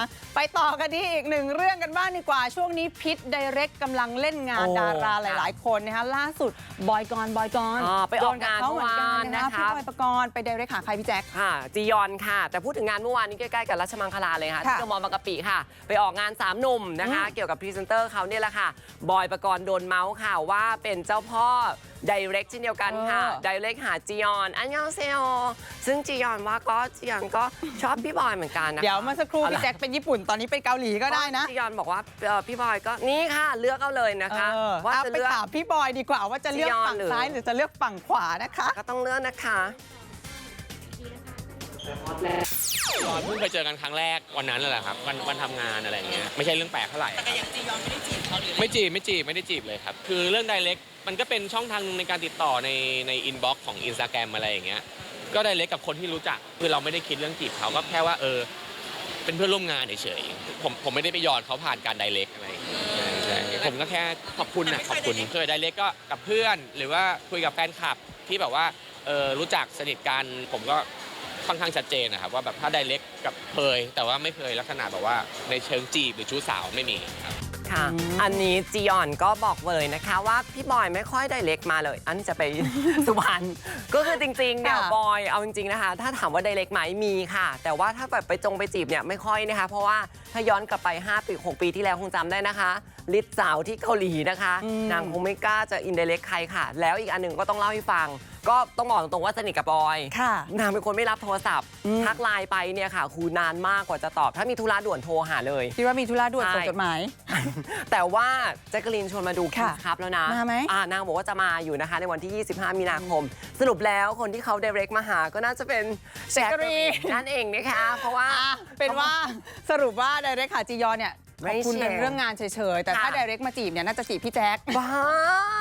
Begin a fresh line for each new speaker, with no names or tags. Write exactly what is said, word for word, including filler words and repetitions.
ไปต่อกันที่อีกหนึ่งเรื่องกันบ้างดีกว่าช่วงนี้พิษไดเรกกำลังเล่นงานดาราหลายๆคนนะคะล่าสุดบอยกรบอยกร
ไปออกงาน
เขาเหมือนกันนะคะพี่บอยปกรณ์ไปไดเรกหาใครพี่แจ๊ค
ค่ะจียอนค่ะแต่พูดถึงงานเมื่อวานนี้ใกล้ๆกับราชมังคลาเลยค่ะที่เดอะมอลล์บางกะปิค่ะไปออกงานสามหนุ่มนะคะเกี่ยวกับพรีเซนเตอร์เขาเนี่ยแหละค่ะบอยปกรณ์โดนเมาส์ค่ะว่าเป็นเจ้าพ่อไดเรกเช่นเดียวกันค่ะไดเรกหาจียอนอันยองเซโอซึ่งจียอนว่าก็จียอนก็ชอบพี่บอยเหมือนกันนะคะ
เดี๋ยวเมื่อสักครู่พี่แจ็คเป็นญี่ปุ่นตอนนี้ไปเกาหลีก็ได้นะ
จียอนบอกว่าพี่บอยก็นี่ค่ะเลือกเอาเลยนะคะ
ว่าจะไปถามพี่บอยดีกว่าว่าจะเลือกฝั่งซ้ายหรือจะเลือกฝั่งขวานะคะ
ก็ต้องเลือกนะคะ
ตอนเพิ่งเคยเจอกันครั้งแรกวันนั้นแหละครับวันวันทำงานอะไรอย่างเงี้ยไม่ใช่เรื่องแปลกเท่าไหร่แต่อย่างจียอนไม่ได้จีบเขาหรือไม่จีบไม่จีบไม่ได้จีบเลยครับคือเรื่องไดเรกมันก็เป็นช่องทางนึงในการติดต่อในในอินบ็อกซ์ของ Instagram อะไรอย่างเงี้ยก็ไดเรกกับคนที่รู้จักคือเราไม่ได้คิดเรื่องจีบเขาก็แค่ว่าเออเป็นเพื่อนร่วมงานเฉยๆผมผมไม่ได้ไปยอดเขาผ่านการไดเรกอะไรใช่ผมก็แค่ขอบคุณนะขอบคุณเคยไดเรกก็กับเพื่อนหรือว่าคุยกับแฟนคลับที่แบบว่าเออรู้จักสนิทกันผมก็ค่อนข้างชัดเจนนะครับว่าแบบถ้าไดเรกกับเคยแต่ว่าไม่เคยลักษณะแบบว่าในเชิงจีบหรือชู้สาวไม่มีครับ
ค่ะอันนี้จียอนก็บอกเลยนะคะว่าพี่บอยไม่ค่อยไดเรกมาเลยอันจะไป สุพรรณก็คือจริงๆเนี่ยบอยเอาจริงๆนะคะถ้าถามว่าไดเรกไหมมีค่ะแต่ว่าถ้าแบบไปจงไปจีบเนี่ยไม่ค่อยนะคะเพราะว่าถ้าย้อนกลับไปห้าปีหกปีที่แล้วคงจำได้นะคะลิศสาวที่เกาหลีนะคะนางคงไม่กล้าจะอินไดเรกใครค่ะแล้วอีกอันหนึ่งก็ต้องเล่าให้ฟังก็ต้องบอกตรงๆว่าสนิทกับบอยนางเป็นคนไม่รับโทรศัพท์ทักไลน์ไปเนี่ยค่ะคือนานมากกว่าจะตอบถ้ามีธุระด่วนโทรหาเลย
คิดว่ามีธุระด่วนส่งจดหมาย
แต่ว่าแจ็คกะลีนชวนมาดูคิสครับแล้วนะ
มาไหม
อ่านางบอกว่าจะมาอยู่นะคะในวันที่ยี่สิบห้ามีนาคมสรุปแล้วคนที่เขาไดเรกมาหาก็น่าจะเป็น
แจ็คกะลีน
นั่นเองนะคะเพราะว่า
เป็นว่าสรุปว่าไดเรกหาจียอนเนี่ยขอบคุณในเรื่องงานเฉยๆแต่ถ้าไดเรกมาจีบเนี่ยน่าจะจีบพี่แจ็ค
บ้า